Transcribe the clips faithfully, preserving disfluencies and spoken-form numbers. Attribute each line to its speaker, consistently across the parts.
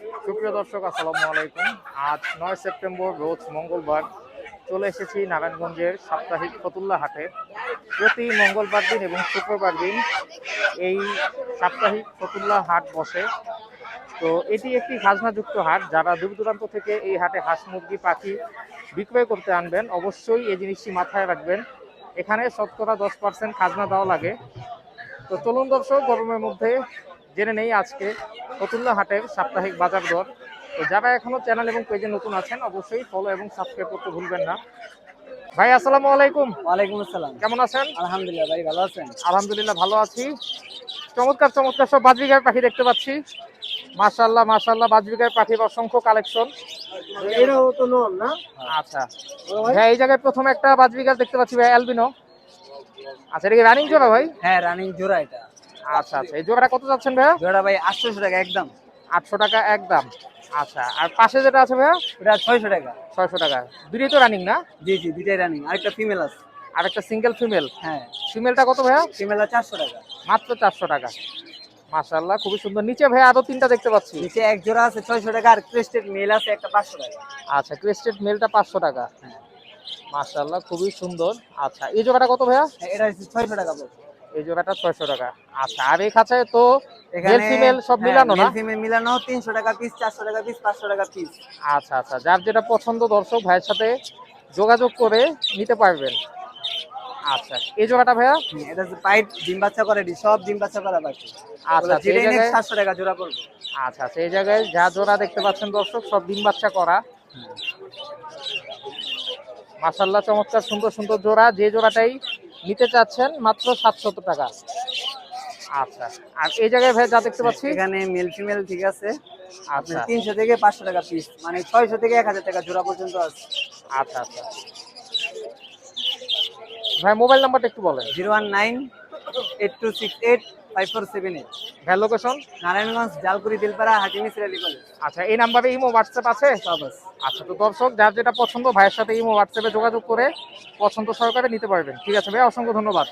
Speaker 1: সুপ্রিয় দর্শক, আসসালামু আলাইকুম। আজ নয় সেপ্টেম্বর, রোজ মঙ্গলবার, চলে এসেছি নারায়ণগঞ্জের সাপ্তাহিক ফতুল্লা হাটে। প্রতি মঙ্গলবার দিন এবং শুক্রবার দিন এই সাপ্তাহিক ফতুল্লা হাট বসে। তো এটি একটি খাজনাযুক্ত হাট। যারা দূর দূরান্ত থেকে এই হাটে হাঁস মুরগি পাখি বিক্রয় করতে আনবেন, অবশ্যই এই জিনিসটি মাথায় রাখবেন, এখানে শতকরা দশ পার্সেন্ট খাজনা দেওয়া লাগে। তো চলুন দর্শক, গরমের মধ্যে জেনে নেই আজকে ফতুল্লা হাটের সাপ্তাহিক বাজার দর। তো যারা এখনো চ্যানেল এবং পেজে নতুন আছেন, অবশ্যই ফলো এবং সাবস্ক্রাইব করতে ভুলবেন না। ভাই আসসালামু আলাইকুম।
Speaker 2: ওয়ালাইকুম আসসালাম।
Speaker 1: কেমন আছেন?
Speaker 2: আলহামদুলিল্লাহ ভাই, ভালো আছেন?
Speaker 1: আলহামদুলিল্লাহ ভালো আছি। চমৎকার চমৎকার সব বাজবিঘার পাখি দেখতে পাচ্ছি। মাশাআল্লাহ মাশাআল্লাহ, বাজবিঘার পাখির অসংখ্য কালেকশন।
Speaker 2: এরাও তো নন না?
Speaker 1: আচ্ছা ভাই, এই জায়গায় প্রথমে একটা বাজবিঘার দেখতে পাচ্ছি ভাই, অ্যালবিনো। আচ্ছা, এটা কি রানিং জোড়া ভাই?
Speaker 2: হ্যাঁ, রানিং জোড়া এটা।
Speaker 1: আচ্ছা আচ্ছা, এই জোড়াটা কত যাচ্ছেন ভাইয়া?
Speaker 2: জোড়া ভাই আটশোশো টাকা একদম।
Speaker 1: আটশো টাকা একদম। আচ্ছা, আর পাশে যেটা আছে ভাইয়া?
Speaker 2: ওটা ছয়শো টাকা।
Speaker 1: ছয়শো টাকা। দুটোই তো রানিং না?
Speaker 2: জি জি, দুইটাই রানিং। আরেকটা ফিমেল আছে।
Speaker 1: আর একটা সিঙ্গেল ফিমেল।
Speaker 2: হ্যাঁ,
Speaker 1: ফিমেলটা কত ভাইয়া?
Speaker 2: ফিমেলটা চারশো টাকা।
Speaker 1: মাত্র চারশো টাকা। মাশাআল্লাহ, খুবই সুন্দর। নিচে ভাইয়া আরো তিনটা দেখতে পাচ্ছি।
Speaker 2: নিচে এক জোড়া আছে ছয়শো টাকা, আর ক্রেস্টেড মেল আছে একটা পাঁচশো টাকা।
Speaker 1: আচ্ছা, ক্রেস্টেড মেলটা পাঁচশো টাকা। মাশাআল্লাহ, খুবই সুন্দর। আচ্ছা, এই জোড়াটা কত ভাইয়া?
Speaker 2: হ্যাঁ, এটা হচ্ছে ছয়শো টাকা পড়বে।
Speaker 1: এই জোড়াটা ছয়শো টাকা। আচ্ছা, আর এই খাঁচায় তো মেল
Speaker 2: এখানে
Speaker 1: ফিমেল সব
Speaker 2: হ্যাঁ,
Speaker 1: মিলানো না?
Speaker 2: মেল ফিমেল মিলানো তিনশো টাকা পিস, চারশো টাকা পিস, পাঁচশো টাকা পিস।
Speaker 1: আচ্ছা আচ্ছা, যার যেটা পছন্দ দর্শক ভাইয়ের সাথে যোগাযোগ করে নিতে পারবেন। আচ্ছা, এই জোড়াটা ভাইয়া?
Speaker 2: হুম, এটা হচ্ছে পাইট ডিম বাচ্চা করে, ডি সব ডিম বাচ্চা করা বাকি।
Speaker 1: আচ্ছা আচ্ছা, এই জায়গায়
Speaker 2: সাতশো টাকা জোড়া পড়বে।
Speaker 1: আচ্ছা আচ্ছা, এই জায়গায় যা জোড়া দেখতে পাচ্ছেন দর্শক, সব ডিম বাচ্চা করা। মাশাআল্লাহ, চমৎকার সুন্দর সুন্দর জোড়া। যে জোড়াটাই নিতে চাচ্ছেন মাত্র সাতশত টাকা। আচ্ছা, আর এই জায়গায় ভাই যা দেখতে পাচ্ছি,
Speaker 2: এখানে মেল ফিমেল ঠিক আছে।
Speaker 1: আচ্ছা
Speaker 2: তিনশো থেকে পাঁচশো টাকা পিস, মানে ছয়শো থেকে এক হাজার টাকা জোড়া পর্যন্ত আছে।
Speaker 1: আচ্ছা আচ্ছা ভাই, মোবাইল নাম্বারটা একটু বলেন।
Speaker 2: Zero one nine eight two six eight five four seven eight.
Speaker 1: ভাই লোকেশন?
Speaker 2: নারায়ণগঞ্জ, জালকুড়ি, দিলপাড়া, হাটিমি, সিরালি কলেজ।
Speaker 1: আচ্ছা, এই নাম্বারে ইমো হোয়াটসঅ্যাপ আছে?
Speaker 2: সব আছে।
Speaker 1: আচ্ছা, তো দর্শক যার যেটা পছন্দ ভাইয়ের সাথে ইমো হোয়াটসঅ্যাপে যোগাযোগ করে পছন্দ সহকারে নিতে পারবেন। ঠিক আছে ভাই, অসংখ্য ধন্যবাদ।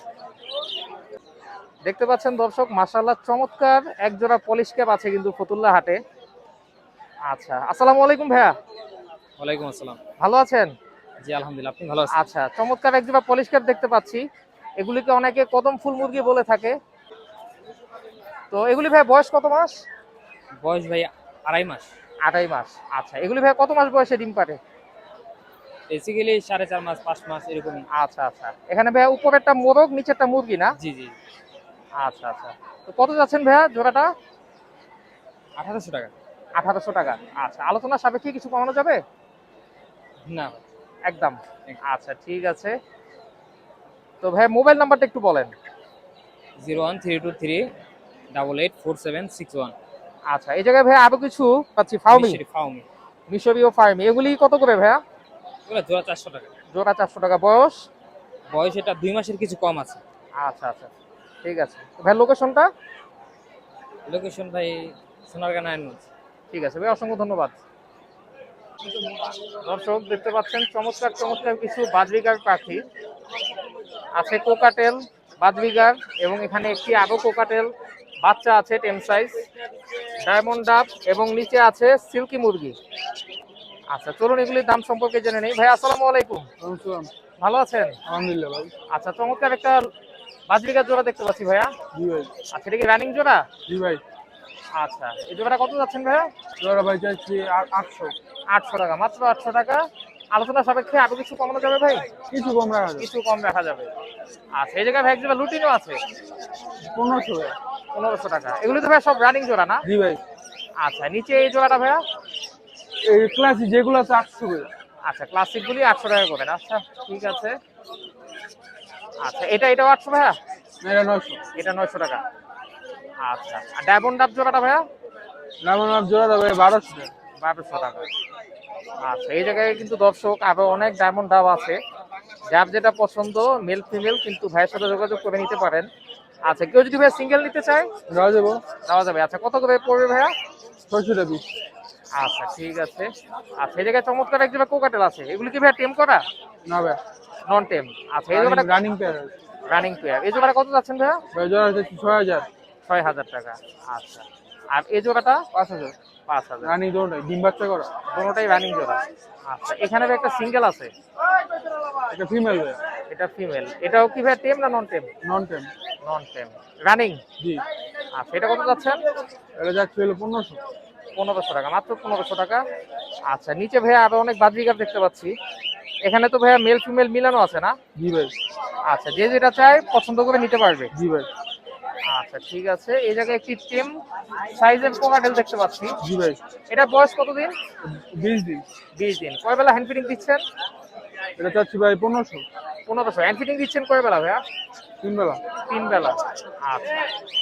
Speaker 1: দেখতে পাচ্ছেন দর্শক, মাশাআল্লাহ চমৎকার এক জোড়া পলিশ ক্যাপ আছে কিন্তু ফতুল্লা হাটে। আচ্ছা, আসসালামু আলাইকুম ভাইয়া।
Speaker 3: ওয়ালাইকুম আসসালাম।
Speaker 1: ভালো আছেন?
Speaker 3: জি আলহামদুলিল্লাহ, আপনি ভালো আছেন?
Speaker 1: আচ্ছা, চমৎকার এক জোড়া পলিশ ক্যাপ দেখতে পাচ্ছি। এগুলিকে অনেকে কদম ফুল মুরগি বলে থাকে। তো এগুলি ভাই বয়স কত মাস?
Speaker 3: বয়স ভাই আড়াই মাস।
Speaker 1: আড়াই মাস। আচ্ছা, এগুলি ভাই কত মাস বয়সে ডিম পারে?
Speaker 3: বেসিক্যালি সাড়ে চার মাস পাঁচ মাস এরকমই।
Speaker 1: আচ্ছা আচ্ছা, এখানে ভাইয়া উপরেরটা মোরগ, নিচেরটা মুরগি না?
Speaker 3: জি জি।
Speaker 1: আচ্ছা আচ্ছা, তো কত যাচ্ছেন ভাইয়া জোড়াটা?
Speaker 3: আঠারোশো টাকা।
Speaker 1: আঠারোশো টাকা। আচ্ছা, আলোচনা সাপেক্ষে কিছু কমানো যাবে?
Speaker 3: না,
Speaker 1: একদম। আচ্ছা, ঠিক আছে। তো ভাই মোবাইল নাম্বারটা একটু বলেন।
Speaker 3: Zero one three two three double eight four seven six one.
Speaker 1: আচ্ছা, এই জায়গায় ভাইয়া আরো কিছু পাচ্ছি, ফাউমি,
Speaker 3: ফাউমি,
Speaker 1: মিশরীয় ফার্মি। এগুলি কত করে ভাইয়া?
Speaker 3: এগুলো জোড়া চারশো টাকা।
Speaker 1: জোড়া চারশো টাকা। বয়স?
Speaker 3: বয়স এটা দুই মাসের কিছু কম আছে।
Speaker 1: আচ্ছা আচ্ছা, ঠিক আছে। ভাই লোকেশনটা?
Speaker 3: লোকেশন ভাই সোনারগাঁ নারায়ণগঞ্জ।
Speaker 1: ঠিক আছে ভাই, অসংখ্য ধন্যবাদ। দর্শক দেখতে পাচ্ছেন চমৎকার চমৎকার কিছু বাজবিগার পাখি আছে। কোকাটেল, বাজবিগার, এবং এখানে একটি আরো কোকাটেল বাচ্চা আছে টেম সাইজ, ডায়মন্ড ডাব, এবং নিচে আছে সিল্কি মুরগি। আচ্ছা, চলুন এগুলির দাম সম্পর্কে জেনে নেই। ভাই আসসালামু আলাইকুম। ভালো আছেন?
Speaker 2: আলহামদুলিল্লাহ ভাই।
Speaker 1: আচ্ছা, চমৎকার একটা বাজবিগার জোড়া দেখতে পাচ্ছি ভাইয়া।
Speaker 2: জি ভাই।
Speaker 1: আচ্ছা, এটা কি রানিং জোড়া?
Speaker 2: জি ভাই।
Speaker 1: আচ্ছা, এই জোড়াটা কত যাচ্ছেন ভাইয়া?
Speaker 2: জোড়া ভাই চাইছি আটশো।
Speaker 1: আটশো টাকা। মাত্র আটশো টাকা। আলোচনা সাপেক্ষে আরো কিছু কমানো যাবে ভাই?
Speaker 2: কিছু কম রাখা যাবে।
Speaker 1: কিছু কম রাখা যাবে। আচ্ছা, এই জায়গায় ভাই একজোড়া লুটিনও আছে।
Speaker 2: পনেরোশো।
Speaker 1: পনেরোশো টাকা। এগুলি তো ভাই সব রানিং জোড়া না?
Speaker 2: জি ভাই।
Speaker 1: আচ্ছা, নিচে এই জোড়াটা ভাইয়া?
Speaker 2: এই ক্লাসি যেগুলো আছে আটশো করে।
Speaker 1: আচ্ছা, ক্লাসিক গুলি আটশো টাকা করে। আচ্ছা, ঠিক আছে। আচ্ছা, এটা এটাও আটশো ভাইয়া?
Speaker 2: এটা নয়শো।
Speaker 1: এটা নয়শো টাকা। আচ্ছা, আর ডায়মন্ড ডাব জোড়াটা ভাইয়া?
Speaker 2: ডায়মন্ড জোড়া দেবে বারোশো টাকা।
Speaker 1: বারোশো টাকা। আচ্ছা, এই জায়গায় কিন্তু দর্শক আরো অনেক ডায়মন্ড ডাব আছে। যার যেটা পছন্দ মেল ফিমেল কিন্তু ভাইয়ের সাথে যোগাযোগ করে নিতে পারেন। আচ্ছা, কেউ যদি ভাই সিঙ্গেল নিতে চায়
Speaker 2: দেওয়া যাবো।
Speaker 1: দেওয়া যাবে। আচ্ছা, কত করে পড়বে ভাইয়া?
Speaker 2: ছয়শো টাকা।
Speaker 1: আচ্ছা, ঠিক আছে। আচ্ছা, এই জায়গায় চমৎকার এক জায়গায় কোকাটেল আছে। এগুলি কি ভাইয়া টেম করা?
Speaker 2: না ভাই,
Speaker 1: নন টেম। আচ্ছা, এই জায়গাটা
Speaker 2: রানিং পেয়ার।
Speaker 1: Running pair. এই জোড়াটা কত যাচ্ছেন ভাইয়া?
Speaker 2: ভাই জোড়া হচ্ছে ছয় হাজার।
Speaker 1: ছয় হাজার টাকা। আচ্ছা, আর এই জোড়াটা?
Speaker 2: পাঁচ হাজার।
Speaker 1: পাঁচ হাজার।
Speaker 2: রানী দোনোটাই ডিম বাচ্চা করা।
Speaker 1: কোনোটাই রানিং জোড়া। আচ্ছা, এখানে ভাই একটা সিঙ্গেল আছে,
Speaker 2: এটা ফিমেল ভাই।
Speaker 1: এটা ফিমেল। এটাও কি ভাই টেম না নন টেম?
Speaker 2: নন টেম।
Speaker 1: নন টেম রানিং।
Speaker 2: জি।
Speaker 1: আচ্ছা, এটা কত যাচ্ছেন?
Speaker 2: এটা যাচ্ছে হলো পনেরোশো।
Speaker 1: পনেরোশো টাকা, মাত্র পনেরোশো টাকা। আচ্ছা, নিচে ভাইয়া আরো অনেক বাজরিগার দেখতে পাচ্ছি। এখানে তো ভাইয়া মেল ফিমেল মিলানো আছে না?
Speaker 2: জি ভাই।
Speaker 1: আচ্ছা, যে যেটা চায় পছন্দ করে নিতে পারবে।
Speaker 2: জি ভাই।
Speaker 1: আচ্ছা, ঠিক আছে। এই জায়গায় একটি টেম সাইজের কোকাটেল দেখতে পাচ্ছি।
Speaker 2: জি ভাই।
Speaker 1: এটা বয়স কতদিন?
Speaker 2: বিশ দিন।
Speaker 1: বিশ দিন। কয় বেলা হ্যান্ড ফিডিং দিচ্ছেন?
Speaker 2: এটা চাচ্ছি ভাই পনেরোশো।
Speaker 1: পনেরোশো। হ্যান্ড ফিডিং দিচ্ছেন কয় বেলা ভাইয়া?
Speaker 2: তিন বেলা।
Speaker 1: তিন বেলা। আচ্ছা,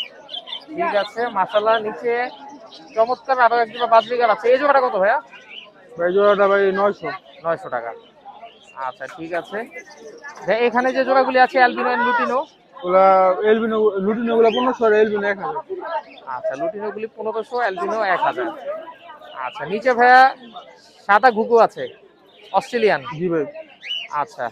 Speaker 1: ঠিক আছে। মাশাআল্লাহ, নিচে চমৎকার আরো এক জোড়া বাজরিগার আছে। এই জোড়াটা কত ভাইয়া?
Speaker 2: ভাই জোড়াটা ভাই নয়শো।
Speaker 1: নয়শো টাকা। আচ্ছা, ঠিক আছে। ভাই এখানে যে জোড়াগুলি আছে অ্যালবিনো এন্ড লুটিনো,
Speaker 2: ওগুলা এলবিনো লুটিনো গুলা পনেরোশো আর এলবিনো এক হাজার।
Speaker 1: আচ্ছা, লুটিনো গুলি পনেরোশো, অ্যালবিনো এক হাজার। আচ্ছা, নিচে ভাইয়া সাদা ঘুঘু আছে, অস্ট্রেলিয়ান।
Speaker 2: জি ভাই।
Speaker 1: আচ্ছা,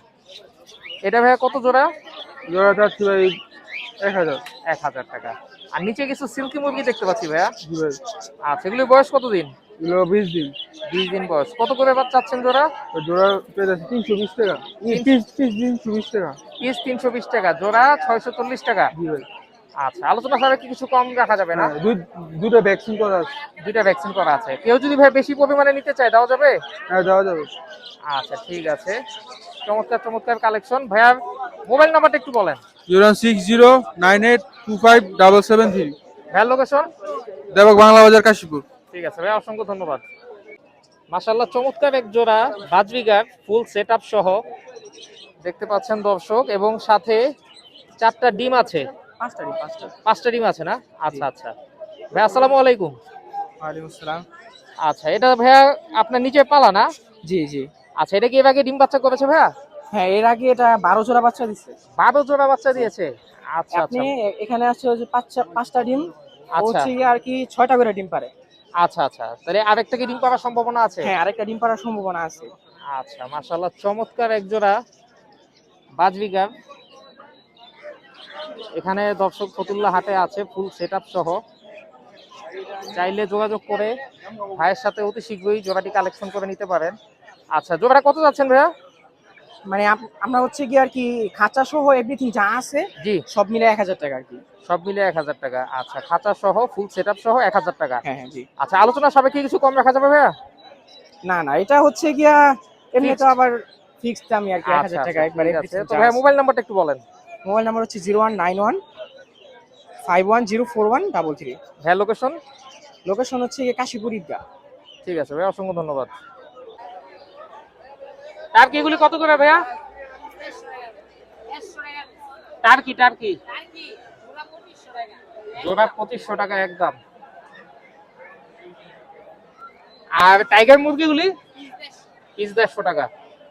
Speaker 1: এটা ভাইয়া কত জোড়া?
Speaker 2: জোড়া চাচ্ছি ভাই এক হাজার।
Speaker 1: এক হাজার টাকা। আর নিচে কিছু সিল্কি মুরগি দেখতে পাচ্ছি ভাইয়া।
Speaker 2: জি ভাই।
Speaker 1: আচ্ছা, এগুলির বয়স কতদিন?
Speaker 2: এগুলো বিশ দিন।
Speaker 1: বিশ দিন বয়স। কত করে এবার চাচ্ছেন জোড়া?
Speaker 2: তো জোড়া পেয়ে যাচ্ছে তিনশো বিশ টাকা।
Speaker 1: তিন-
Speaker 2: পিস পিস তিনশো বিশ টাকা।
Speaker 1: পিস তিনশো বিশ টাকা, জোড়া ছয়শো চল্লিশ টাকা।
Speaker 2: জি ভাই।
Speaker 1: আচ্ছা, আলোচনা সাপেক্ষে কিছু কম রাখা যাবে না?
Speaker 2: হ্যাঁ, দুই দুটো ভ্যাকসিন করা আছে।
Speaker 1: দুইটা ভ্যাকসিন করা আছে। কেউ যদি ভাই বেশি পরিমাণে নিতে চায় দেওয়া যাবে?
Speaker 2: হ্যাঁ, দেওয়া যাবে।
Speaker 1: আচ্ছা, ঠিক আছে। চমৎকার চমৎকার কালেকশন। ভাইয়ার মোবাইল নাম্বারটা একটু বলেন।
Speaker 2: Zero six zero nine eight two five double seven three.
Speaker 1: ভাইয়ার লোকেশন?
Speaker 2: দেবক বাংলা বাজার, কাশীপুর।
Speaker 1: ঠিক আছে ভাই, অসংখ্য ধন্যবাদ। মাশাআল্লাহ, চমৎকার এক জোড়া বাজরিগার ফুল সেট আপ সহ দেখতে পাচ্ছেন দর্শক, এবং সাথে চারটা ডিম আছে।
Speaker 2: পাঁচটা ডিম। পাঁচটা।
Speaker 1: পাঁচটা ডিম আছে না? আচ্ছা আচ্ছা। ভাই আসসালামু আলাইকুম।
Speaker 2: ওয়ালাইকুম আসসালাম।
Speaker 1: আচ্ছা, এটা ভাইয়া আপনার নিচে পালা না?
Speaker 2: জি জি।
Speaker 1: আচ্ছা, এটা কি এর আগে ডিম বাচ্চা করেছে ভাইয়া?
Speaker 2: হ্যাঁ, এর আগে এটা বারো জোড়া বাচ্চা দিচ্ছে।
Speaker 1: বারো জোড়া বাচ্চা দিয়েছে। আচ্ছা
Speaker 2: আপনি
Speaker 1: আচ্ছা।
Speaker 2: এখানে আসছে যে পাঁচটা পাঁচটা ডিম।
Speaker 1: আচ্ছা
Speaker 2: হচ্ছে গিয়ে আর কি ছয়টা করে ডিম পারে।
Speaker 1: আচ্ছা আচ্ছা, তাহলে আরেকটা কি ডিম পাওয়ার সম্ভাবনা আছে?
Speaker 2: হ্যাঁ, আরেকটা ডিম পাড়ার সম্ভাবনা আছে।
Speaker 1: আচ্ছা, মাশাআল্লাহ, চমৎকার এক জোড়া বাজরিগার এখানে দর্শক ফতুল্লা হাটে আছে ফুল সেটআপ সহ। চাইলে যোগাযোগ করে ভাইয়ের সাথে অতি শীঘ্রই জোড়াটি কালেকশন করে নিতে পারেন। আচ্ছা, জোড়াটা কত যাচ্ছেন ভাইয়া?
Speaker 2: মানে আপ- আমরা হচ্ছে কি আর কি খাঁচা সহ এভরিথিং যা আছে
Speaker 1: জি,
Speaker 2: সব মিলে এক হাজার টাকা আর কি।
Speaker 1: সব মিলে এক হাজার টাকা। আচ্ছা, খাঁচা সহ ফুল সেটআপ সহ এক হাজার টাকা।
Speaker 2: হ্যাঁ হ্যাঁ জি।
Speaker 1: আচ্ছা, আলোচনা সাপেক্ষে কিছু কম রাখা যাবে ভাইয়া?
Speaker 2: না না, এটা হচ্ছে গিয়া এমনি তো
Speaker 1: Fixed?
Speaker 2: আবার ফিক্সড আমি আর কি এক হাজার
Speaker 1: আচ্ছা
Speaker 2: টাকা
Speaker 1: আচ্ছা,
Speaker 2: একবারে।
Speaker 1: ঠিক আছে। তো ভাইয়া মোবাইল নাম্বারটা একটু বলেন।
Speaker 2: মোবাইল নাম্বার হচ্ছে zero one nine one five one zero four one double three.
Speaker 1: ভাইয়া লোকেশন?
Speaker 2: লোকেশন হচ্ছে গিয়ে কাশীপুর ঈদগাহ।
Speaker 1: ঠিক আছে ভাইয়া, অসংখ্য ধন্যবাদ। টার্কি এগুলি কত করে ভাইয়া? টার্কি টার্কি জোড়া পঁচিশশো টাকা একদম। আর টাইগার মুরগিগুলি পিস দেড়শো টাকা।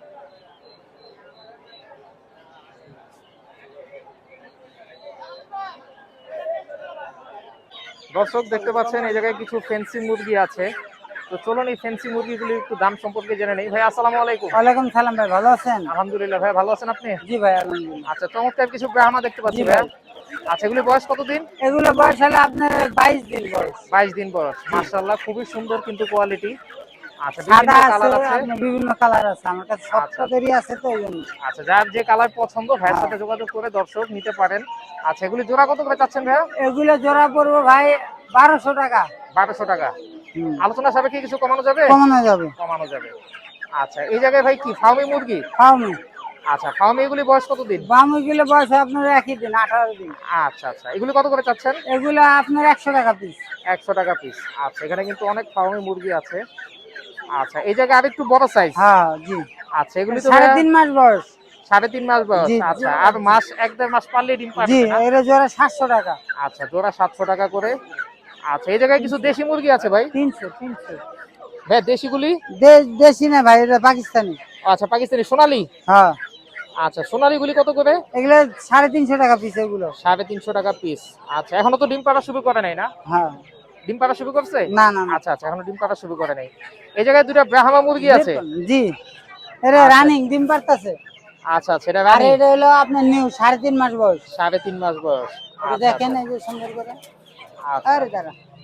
Speaker 1: দর্শক দেখতে পাচ্ছেন এই জায়গায় কিছু ফেন্সি মুরগি আছে। তো চলুন এই ফেন্সি মুরগিগুলি একটু দাম সম্পর্কে জেনে নেই। ভাই আসসালামু আলাইকুম।
Speaker 4: ওয়ালাইকুম সালাম ভাই, ভালো আছেন?
Speaker 1: আলহামদুলিল্লাহ ভাই, ভালো আছেন আপনি?
Speaker 4: জি ভাই, আলহামদুলিল্লাহ।
Speaker 1: আচ্ছা, চমৎকার কিছু ব্রাহ্মা দেখতে পাচ্ছি
Speaker 4: জি
Speaker 1: ভাই।
Speaker 4: ভাই।
Speaker 1: আচ্ছা, এগুলি বয়স কতদিন?
Speaker 4: এগুলো বয়স হলো আপনার বাইশ দিন বয়স।
Speaker 1: বাইশ দিন বয়স। মাশাআল্লাহ, খুবই সুন্দর কিন্তু কোয়ালিটি। আচ্ছা,
Speaker 4: সাদা
Speaker 1: বিভিন্ন
Speaker 4: আছে,
Speaker 1: কালার আছে।
Speaker 4: আপনার বিভিন্ন কালার আছে, আমার কাছে
Speaker 1: আচ্ছা।
Speaker 4: সবটাদেরই আছে তো এই জন্য।
Speaker 1: আচ্ছা, যার যে কালার পছন্দ ভাইয়ের সাথে যোগাযোগ করে দর্শক নিতে পারেন। আচ্ছা, এগুলি জোড়া কত করে চাচ্ছেন ভাইয়া?
Speaker 4: এগুলো জোড়া পড়বো ভাই বারোশো টাকা।
Speaker 1: বারোশো টাকা।
Speaker 4: হুম।
Speaker 1: আলোচনা সাপেক্ষে কিছু কমানো যাবে?
Speaker 4: কমানো যাবে।
Speaker 1: কমানো যাবে। আচ্ছা, এই জায়গায় ভাই কি ফার্মি মুরগি?
Speaker 4: ফার্মি
Speaker 1: আচ্ছা, ফার্মি এগুলি বয়স কতদিন?
Speaker 4: বামুগুলো বয়স আপনার একই দিন, আঠারো দিন।
Speaker 1: আচ্ছা আচ্ছা, এগুলি কত করে চাচ্ছেন?
Speaker 4: এগুলো আপনার একশো টাকা পিস।
Speaker 1: একশো টাকা পিস। আচ্ছা, এখানে কিন্তু অনেক ফার্মি মুরগি আছে। আচ্ছা, এই জায়গায় আরেকটু বড় সাইজ।
Speaker 4: হ্যাঁ জি।
Speaker 1: আচ্ছা, এগুলি তো
Speaker 4: সাড়ে
Speaker 1: ভাইয়া
Speaker 4: তিন মাস বয়স।
Speaker 1: সাড়ে তিন মাস বয়স।
Speaker 4: জি।
Speaker 1: আচ্ছা, আর মাস এক দেড় মাস পারলে ডিম
Speaker 4: জি,
Speaker 1: পারবে না?
Speaker 4: এর জোড়া সাতশো টাকা।
Speaker 1: আচ্ছা, জোড়া সাতশো টাকা করে। আচ্ছা, এই জায়গায় কিছু দেশি মুরগি আছে ভাই।
Speaker 4: তিনশো তিনশো
Speaker 1: ভাই দেশিগুলি?
Speaker 4: দেশি না ভাই, এটা পাকিস্তানি।
Speaker 1: আচ্ছা, পাকিস্তানি সোনালি।
Speaker 4: হ্যাঁ,
Speaker 1: আচ্ছা, সোনালি গুলি কত করে?
Speaker 4: এগুলো সাড়ে তিনশো টাকা পিস এগুলো।
Speaker 1: সাড়ে তিনশো টাকা পিস। আচ্ছা, এখনো তো ডিম পাড়া শুরু করে নাই না?
Speaker 4: হ্যাঁ।
Speaker 1: ডিম পাড়া শুরু করছে?
Speaker 4: না না না।
Speaker 1: আচ্ছা আচ্ছা, এখনো ডিম পাড়া শুরু করে নাই। এই জায়গায় দুটো ব্রাহ্মা মুরগি আছে।
Speaker 4: জি, এটা
Speaker 1: আচ্ছা।
Speaker 4: রানিং ডিম পারতাছে।
Speaker 1: আচ্ছা আচ্ছা, এটা
Speaker 4: আর
Speaker 1: রানী।
Speaker 4: এটা হলো আপনার নিউ সাড়ে তিন মাস বয়স।
Speaker 1: সাড়ে তিন মাস বয়স।
Speaker 4: এটা
Speaker 1: আচ্ছা,
Speaker 4: দেখেন
Speaker 1: আচ্ছা।
Speaker 4: এই যে সুন্দর করে।
Speaker 1: আচ্ছা।
Speaker 4: আরে দাঁড়া,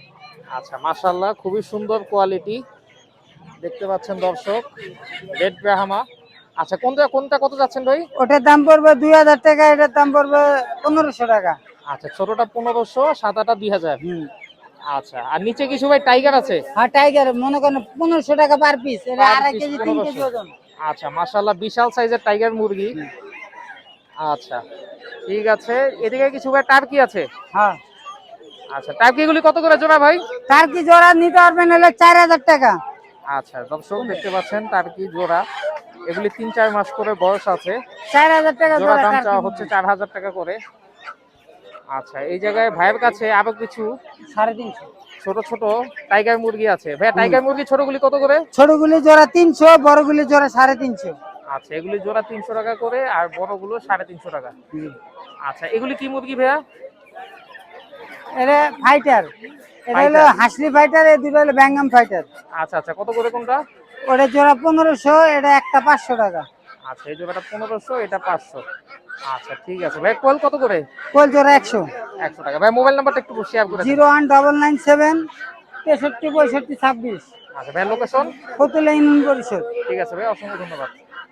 Speaker 1: আচ্ছা, মাশাআল্লাহ, খুবই সুন্দর কোয়ালিটি দেখতে পাচ্ছেন দর্শক, রেড ব্রাহ্মা। আচ্ছা, কোনটা কোনটা কত যাচ্ছেন ভাই?
Speaker 4: ওটার দাম পড়বে দুই হাজার টাকা, এটার দাম পড়বে পনেরোশো টাকা।
Speaker 1: আচ্ছা, ছোটটা পনেরোশো, সাদাটা দুই হাজার। আচ্ছা, আর নিচে কিছু ভাই টাইগার আছে?
Speaker 4: হ্যাঁ টাইগার মনে করেন পনেরোশো টাকা পার পিস, এটা
Speaker 1: Per
Speaker 4: আড়াই
Speaker 1: piece
Speaker 4: কেজি তিন কেজি
Speaker 1: পনেরোশো।
Speaker 4: ওজন।
Speaker 1: আচ্ছা, মাশাআল্লাহ, বিশাল সাইজের টাইগার মুরগি। আচ্ছা, ঠিক আছে। এদিকে কিছু ভাই টার্কি আছে?
Speaker 4: হ্যাঁ,
Speaker 1: আচ্ছা, টার্কিগুলি কত করে জোড়া ভাই?
Speaker 4: তার কি জোড়া নিতে পারবেন হলে চার হাজার টাকা।
Speaker 1: আচ্ছা, দর্শক দেখতে পাচ্ছেন টার্কি জোড়া, এগুলি তিন চার মাস করে বয়স আছে।
Speaker 4: চার হাজার টাকা
Speaker 1: জোড়া
Speaker 4: জোড়া
Speaker 1: দাম
Speaker 4: টার্কি
Speaker 1: চাওয়া
Speaker 4: মুরগি।
Speaker 1: হচ্ছে চার হাজার টাকা করে। আচ্ছা, এই জায়গায় ভাইয়ের কাছে আরো কিছু
Speaker 4: সাড়ে তিনশো।
Speaker 1: ছোট ছোট টাইগার মুরগি আছে। ভাইয়া, টাইগার মুরগি ছোটগুলি কত করে?
Speaker 4: ছোটগুলি জোড়া তিনশো, বড়গুলি জোড়া সাড়ে তিনশো।
Speaker 1: আচ্ছা, এগুলি জোড়া তিনশো টাকা করে, আর বড়গুলো সাড়ে তিনশো টাকা। আচ্ছা, এগুলি কি মুরগি ভাইয়া?
Speaker 4: এটা ফাইটার, এটা হলো
Speaker 1: Fighter।
Speaker 4: হাসলি ফাইটার, এই দুটো হলো ব্যাঙ্গাম ফাইটার।
Speaker 1: আচ্ছা আচ্ছা, কত করে কোনটা?
Speaker 4: ওটা জোড়া পনেরোশো, এটা একটা পাঁচশো টাকা।
Speaker 1: আচ্ছা, এই জোড়াটা পনেরোশো, এটা পাঁচশো। আচ্ছা, ঠিক আছে ভাই। কোয়েল কত করে?
Speaker 4: কোল জোড়া একশো।
Speaker 1: একশো টাকা। ভাই, মোবাইল নাম্বারটা একটু শেয়ার করে দেন।
Speaker 4: Zero one double nine seven তেষট্টি পঁয়ষট্টি ছাব্বিশ।
Speaker 1: আচ্ছা ভাই, লোকেশন?
Speaker 4: ফতুল্লা ইউনিয়ন পরিষদ।
Speaker 1: ঠিক আছে ভাই, অসংখ্য ধন্যবাদ।